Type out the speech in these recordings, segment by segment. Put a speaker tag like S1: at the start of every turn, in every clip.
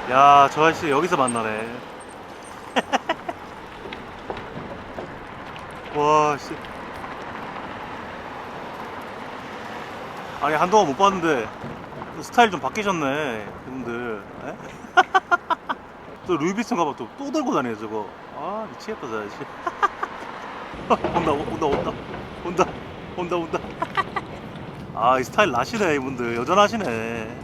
S1: 야, 저 아저씨 여기서 만나네. 와, 씨. 아니, 한동안 못 봤는데, 스타일 좀 바뀌셨네, 이분들. 에? 또 루이비통 가방 또 들고 다녀요, 저거. 아, 미치겠다, 저 아저씨. 온다. 아, 이 스타일 나시네, 이분들. 여전하시네.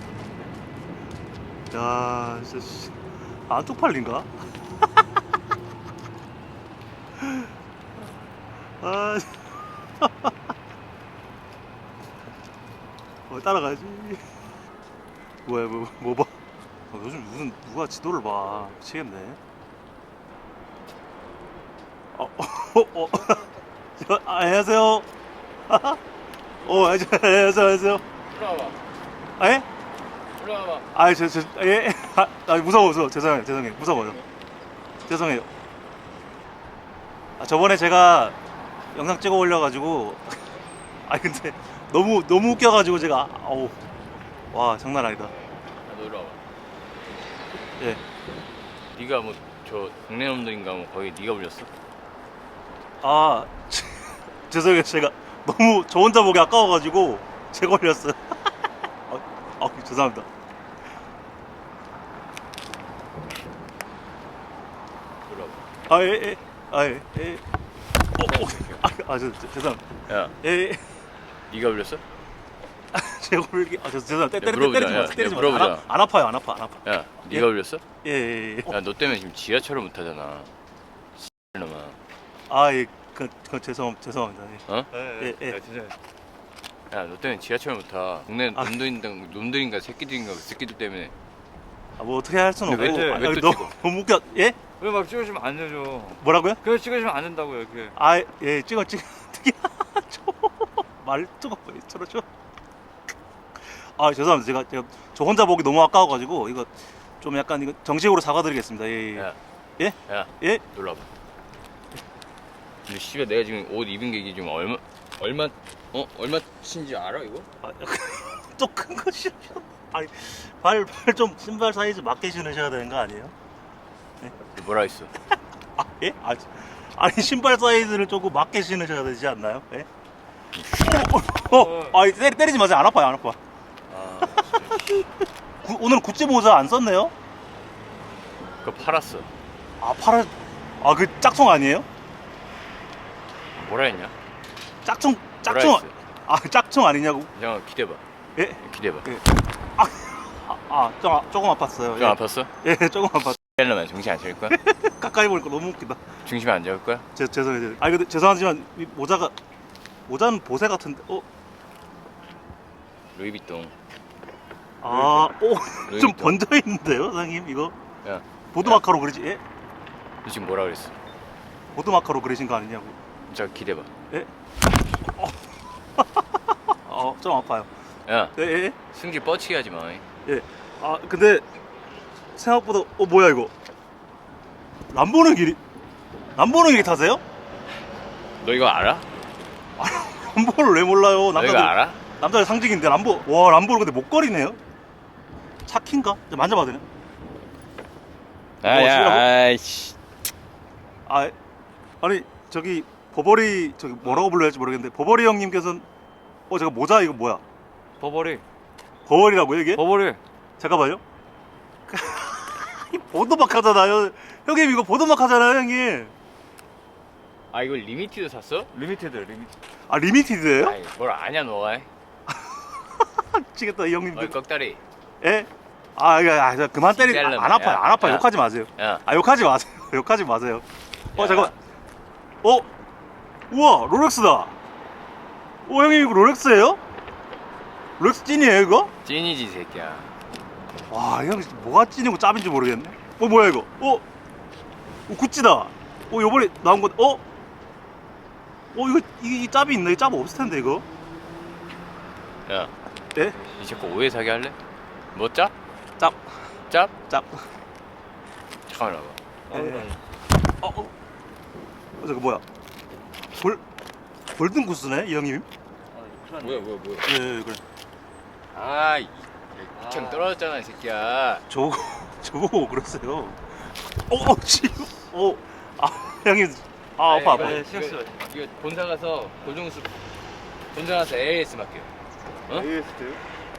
S1: 야, 진짜, 씨. 안 쪽팔린가? 아, 따라가야지. 뭐야, 뭐 봐. 요즘 무슨 누가 지도를 봐. 미치겠네. 어. 안녕하세요. 안녕하세요.
S2: 올라와봐.
S1: 아, 예?
S2: 올라와봐.
S1: 예. 무서워. 죄송해요. 무서워요. 죄송해요. 아, 저번에 제가 영상 찍어 올려가지고, 근데 너무 웃겨가지고 제가, 어우, 와, 장난 아니다.
S2: 너 올라와봐.
S1: 예.
S2: 네가 뭐 저 동네 놈들인가 뭐 거기 네가 불렸어?
S1: 아, 죄송해요. 제가 너무 저 혼자 보기 아까워가지고 제가 올렸어요. 죄송합니다.
S2: 올라와봐.
S1: 예. 죄송합니다.
S2: 야,
S1: 예.
S2: 네가 불렸어?
S1: 제가 올기, 죄송합니다.
S2: 야, 물어보자. 야,
S1: 때리지 마.
S2: 물어보자.
S1: 안 아파요. 안 아파.
S2: 야,
S1: 예?
S2: 네가 불렸어?
S1: 예.
S2: 야, 너 때문에 지금 지하철을 못 타잖아. 놈아.
S1: 예. 죄송합니다.
S2: 어?
S1: 예.
S2: 야, 너 때문에 지하철 못 타. 동네
S1: 아.
S2: 놈들인가 새끼들인가 그 새끼들 때문에.
S1: 뭐 어떻게 할 수는
S2: 근데
S1: 없고.
S2: 왜 또
S1: 너무 웃겨. 예?
S3: 왜 막 찍으시면 안 되죠.
S1: 뭐라고요?
S3: 그냥 찍으시면 안 된다고요, 이렇게.
S1: 예. 찍어. 말투가 왜 저러죠? 죄송합니다. 제가 저 혼자 보기 너무 아까워가지고 이거 좀 약간 이거 정식으로 사과드리겠습니다. 예.
S2: 야,
S1: 예?
S2: 야,
S1: 예?
S2: 놀라봐. 근데 씨발 내가 지금 옷 입은 게 이게 지금 얼마친지 알아 이거?
S1: 또 큰 거 신으셔. 발 좀 신발 사이즈 맞게 신으셔야 되는 거 아니에요?
S2: 뭐라 했어?
S1: 예? 신발 사이즈를 조금 맞게 신으셔야 되지 않나요? 예? 때리지 마세요. 안 아파.
S2: 아,
S1: 오늘은 구찌 모자 안 썼네요?
S2: 그거 팔았어.
S1: 그 짝퉁 아니에요?
S2: 뭐라 했냐?
S1: 짝퉁.
S2: 뭐라 했어?
S1: 짝퉁 아니냐고?
S2: 잠깐 기대봐.
S1: 예?
S2: 기대봐.
S1: 예. 조금 아팠어요.
S2: 좀
S1: 예.
S2: 아팠어?
S1: 예, 조금 아팠어.
S2: 헬러만 정신 안 차릴 거야?
S1: 가까이 보니까 너무 웃기다.
S2: 중심 안 잡을 거야?
S1: 죄송해요. 근데 죄송하지만 이 모자는 보세 같은데.
S2: 루이비통.
S1: 좀
S2: 루이비통.
S1: 번져 있는데요, 사장님 이거?
S2: 야,
S1: 보드마카로 그리지? 예?
S2: 너 지금 뭐라 그랬어?
S1: 보드마카로 그리신 거 아니냐고?
S2: 자 기대봐.
S1: 예? 좀 아파요.
S2: 야,
S1: 예?
S2: 승질 뻗치게 하지 마.
S1: 예. 근데 생각보다 뭐야 이거? 람보르기니 타세요?
S2: 너 이거 알아?
S1: 람보를 왜 몰라요?
S2: 너 이거 알아?
S1: 남자의 상징인데 람보르 근데 목걸이네요? 차키인가? 만져봐도 되나?
S2: 아야, 아이씨.
S1: 아니 저기 버버리 뭐라고 불러야 할지 모르겠는데 버버리 형님께서는 제가 모자 이거 뭐야? 버버리라고요 이게?
S3: 버버리.
S1: 잠깐만요. 보드막 하잖아요. 형님 이거 보드막 하잖아요 형님.
S2: 아 이거 리미티드 샀어?
S3: 리미티드.
S1: 리미티드예요?
S2: 아이 뭘 아냐 너가?
S1: 미치겠다 이 형님들.
S2: 어이 꺽다리.
S1: 예? 그만 때리.
S2: 진짜
S1: 안 아파요.
S2: 야,
S1: 안 아파요.
S2: 야.
S1: 욕하지 마세요.
S2: 야,
S1: 욕하지 마세요. 욕하지 마세요.
S2: 야.
S1: 잠깐만. 우와 롤렉스다. 형님 이거 롤렉스예요? 롤렉스 찐이에요 이거?
S2: 찐이지 이 새끼야.
S1: 와, 형 뭐가 찐이고 짭인지 모르겠네. 뭐야 이거? 구찌다. 요번에 나온 건 이거 이 짭이 있네. 이 짭 없을 텐데 이거.
S2: 야,
S1: 예?
S2: 이 자꾸 오해 사기 할래? 뭐 짭?
S1: 짭.
S2: 짭?
S1: 짭.
S2: 잠깐만 와봐.
S1: 예. 저거 뭐야? 골든 구스네 이 형님.
S2: 뭐야?
S1: 예, 그래.
S2: 아이, 구창 떨어졌잖아 이 새끼야.
S1: 저거 저보고 그러세요. 형님, 아파.
S3: 네, 신경 쓰지 마세요.
S2: 이거 본사 가서 고정수 본사 가서 AS 맡겨. 어?
S3: AST요?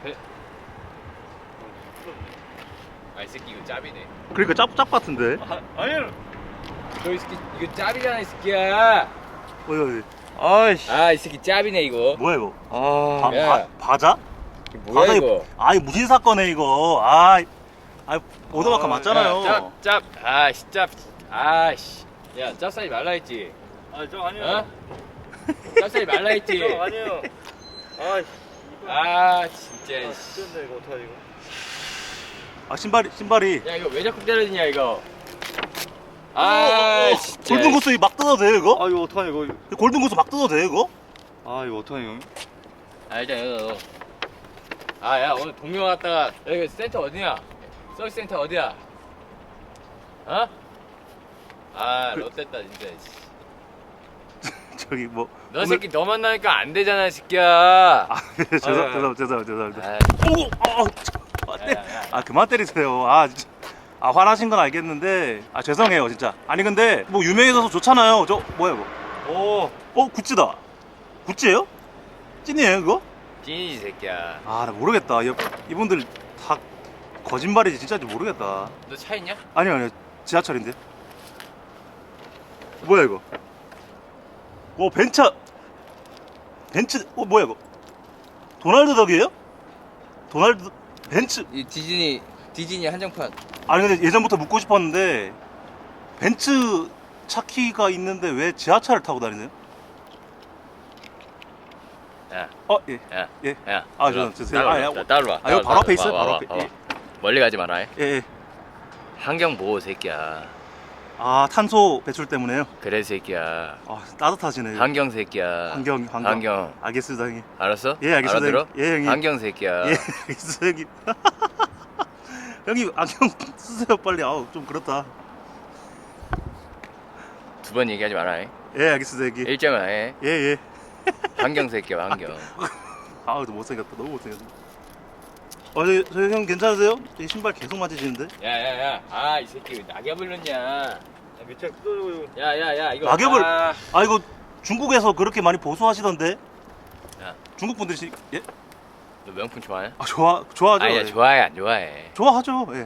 S2: 아, 이 새끼 이거 짭이네.
S1: 그러니까 짭 같은데.
S3: 아니요.
S2: 너 이 새끼 이거 짭이잖아, 이 새끼야.
S1: 어이,
S3: 아이씨.
S2: 아, 이 새끼 짭이네 이거.
S1: 뭐야 이거?
S3: 아.
S2: 야.
S1: 바자?
S2: 이게 뭐야 이거?
S1: 무슨 사건에 이거? 오더마카 맞잖아요.
S2: 짭. 아씨 짭. 아씨. 야, 짭 싸지 말라 했지.
S3: 저 아니에요.
S2: 어? 짭 싸지 말라 했지.
S3: 저 아니에요. 아이씨.
S2: 아, 진짜. 씨.
S3: 진짜 이거 어떡하지 이거?
S1: 신발이.
S2: 야, 이거 왜 자꾸 때려지냐 이거. 아, 진짜.
S1: 골든고스 막 뜯어도 돼요 이거?
S3: 아 이거 어떡하냐 이거.
S1: 골든고스 막 뜯어도 돼요 이거?
S3: 아 이거 어떡하냐 이거.
S2: 아, 일단 이거. 아, 야, 오늘 동묘 갔다가 여기 센터 어디냐? 서비스 센터 어디야? 어? 아, 롯데다 진짜. 씨.
S1: 저기 뭐.
S2: 너 새끼 너 만나니까 안 되잖아, 이 새끼야.
S1: 죄송합니다.
S2: 아,
S1: 아 그만 때리세요. 진짜. 화나신 건 알겠는데 죄송해요 진짜. 아니 근데 뭐 유명해서 좋잖아요. 저 뭐야 이거? 구찌다. 구찌예요? 찐이에요 이거?
S2: 찐이지, 새끼야.
S1: 나 모르겠다. 이분들 다 거짓말이지 진짜인지 모르겠다.
S2: 너 차 있냐?
S1: 아니요 지하철인데. 뭐야 이거? 벤츠 뭐야 이거? 도날드 덕이에요? 벤츠.
S2: 이 디즈니 한정판.
S1: 아니 근데 예전부터 묻고 싶었는데 벤츠 차키가 있는데 왜 지하철을 타고 다니세요?
S2: 야,
S1: 예.
S2: 야,
S1: 예.
S2: 야.
S1: 죄송해요.
S2: 따로 와.
S1: 이거 바로 앞에 있어요. 바로 앞에.
S2: 예. 멀리 가지 마라.
S1: 예.
S2: 환경 보호, 새끼야.
S1: 탄소 배출 때문에요.
S2: 그래, 새끼야.
S1: 따뜻하시네요.
S2: 환경, 새끼야.
S1: 환경. 알겠습니다, 형님.
S2: 알았어?
S1: 예, 알겠습니다.
S2: 알아들어?
S1: 예, 형님.
S2: 환경, 새끼야.
S1: 예, 알겠습니다, 형님. 형님, 안경 쓰세요, 빨리. 좀 그렇다.
S2: 두 번 얘기하지 마라.
S1: 예, 알겠습니다, 형님.
S2: 일정을 해.
S1: 예.
S2: 환경, 새끼야, 환경.
S1: 좀 못생겼다. 너무 못생겼다. 저희 형 괜찮으세요? 이 신발 계속 맞으시는데?
S2: 야. 아, 이 새끼 왜 낙엽을 넣냐?
S3: 밑에 뜯어지고.
S2: 야, 이거.
S1: 낙엽을. 이거 중국에서 그렇게 많이 보수하시던데?
S2: 야.
S1: 중국 분들이 예?
S2: 너 명품 좋아해?
S1: 좋아하죠.
S2: 아니야,
S1: 예.
S2: 좋아해, 안 좋아해?
S1: 좋아하죠. 예.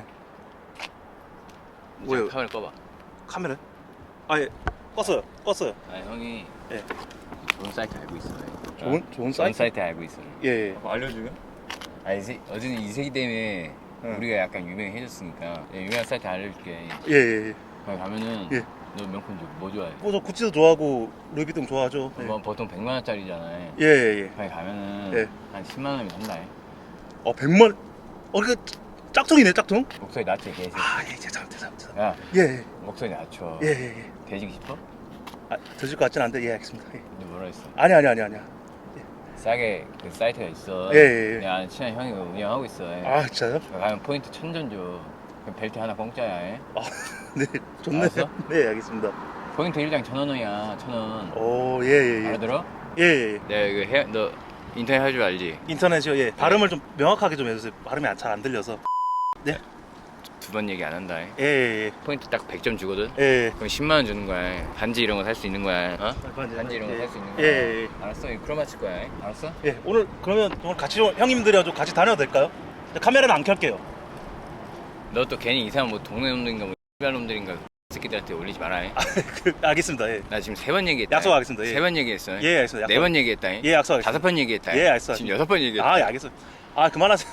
S1: 뭐예요?
S2: 카메라 꺼봐.
S1: 카메라? 예. 껐어요.
S2: 아, 형이
S1: 예.
S2: 좋은 사이트 알고 있어.
S1: 좋은 사이트?
S2: 알고 있어.
S1: 예.
S3: 알려주면?
S2: 어제는 이 새끼 때문에
S1: 응.
S2: 우리가 약간 유명해졌으니까 유명한 사이트 알려줄게.
S1: 예.
S2: 거기 가면은
S1: 예.
S2: 너 명품 뭐 좋아해?
S1: 저 구찌도 좋아하고 루이비통 좋아하죠.
S2: 뭐 보통 100만 원짜리잖아.
S1: 예.
S2: 거기 가면은
S1: 예.
S2: 한 10만 원이면 산다.
S1: 100만. 그 짝퉁이네, 짝퉁.
S2: 목소리 낮춰, 개새끼.
S1: 예, 죄송합니다.
S2: 야,
S1: 예.
S2: 목소리 낮춰.
S1: 예.
S2: 돼지기 싶어?
S1: 드실 것 같진 않은데, 예, 알겠습니다. 예.
S2: 너 뭐라 했어?
S1: 아니야.
S2: 싸게 그 사이트가 있어.
S1: 예.
S2: 내가 아는 친한 형이 운영하고 있어.
S1: 진짜요?
S2: 거기 가면 포인트 1000전 줘. 그럼 벨트 하나 공짜야.
S1: 네, 좋네요.
S2: 알았어?
S1: 네, 알겠습니다.
S2: 포인트 1장 1000원이야. 1000원.
S1: 예.
S2: 알아들어?
S1: 예.
S2: 내가 이거 너 인터넷 할 줄 알지?
S1: 인터넷이요, 예. 발음을 좀 명확하게 좀 해주세요. 발음이 잘 안 들려서. 네.
S2: 두 번 얘기 안 한다.
S1: 예.
S2: 포인트 딱 100점 주거든?
S1: 예.
S2: 그럼 10만 원 주는 거야. 반지 이런 거 살 수 있는 거야. 어? 반지 이런 거 살 수 있는 거야.
S1: 예.
S2: 알았어. 이거 크로마 칠 거야. 알았어?
S1: 예. 오늘 같이 형님들이랑 좀 같이 다녀도 될까요? 카메라는 안 켤게요.
S2: 너 또 괜히 이상한 뭐 동네 놈들인가 뭐 X발 놈들인가 새끼들한테 올리지 마라.
S1: 알겠습니다. 예.
S2: 나 지금 3번 얘기했다.
S1: 약속하겠습니다. 예.
S2: 3번 얘기했어.
S1: 예, 알겠습니다.
S2: 4번 얘기했다.
S1: 예, 약속하겠습니다.
S2: 5번 얘기했다.
S1: 예, 알겠습니다.
S2: 지금 6번 얘기했다.
S1: 예, 알겠어요. 그만하세요.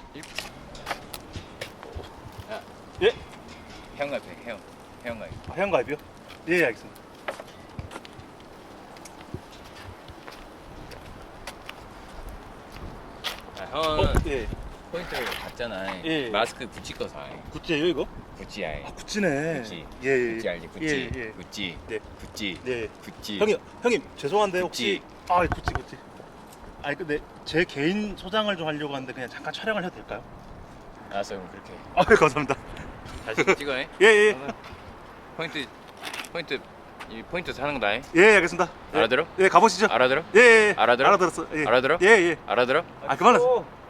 S1: 예.
S2: 회원가입 해. 회원가입.
S1: 회원가입이요? 예, 알겠습니다.
S2: 형은
S1: 예.
S2: 포인트를 받잖아.
S1: 예.
S2: 마스크 구찌 거 사.
S1: 구찌예요, 이거?
S2: 구찌야.
S1: 구찌네.
S2: 구찌.
S1: 예.
S2: 구찌 알지? 구찌.
S1: 예.
S2: 구찌.
S1: 네.
S2: 구찌.
S1: 네.
S2: 구찌.
S1: 형님 죄송한데 혹시
S2: 구찌.
S1: 구찌. 근데 제 개인 소장을 좀 하려고 하는데 그냥 잠깐 촬영을 해도 될까요?
S2: 알았어, 그럼 그렇게.
S1: 네, 감사합니다.
S2: 다시 찍어. 해.
S1: 예.
S2: 포인트 사는 거다. 해.
S1: 예, 알겠습니다. 예.
S2: 알아들어?
S1: 예, 가보시죠.
S2: 알아들어?
S1: 예.
S2: 알아들어?
S1: 알아들었어. 예.
S2: 알아들어?
S1: 예.
S2: 알아들어?
S1: 그만하세요.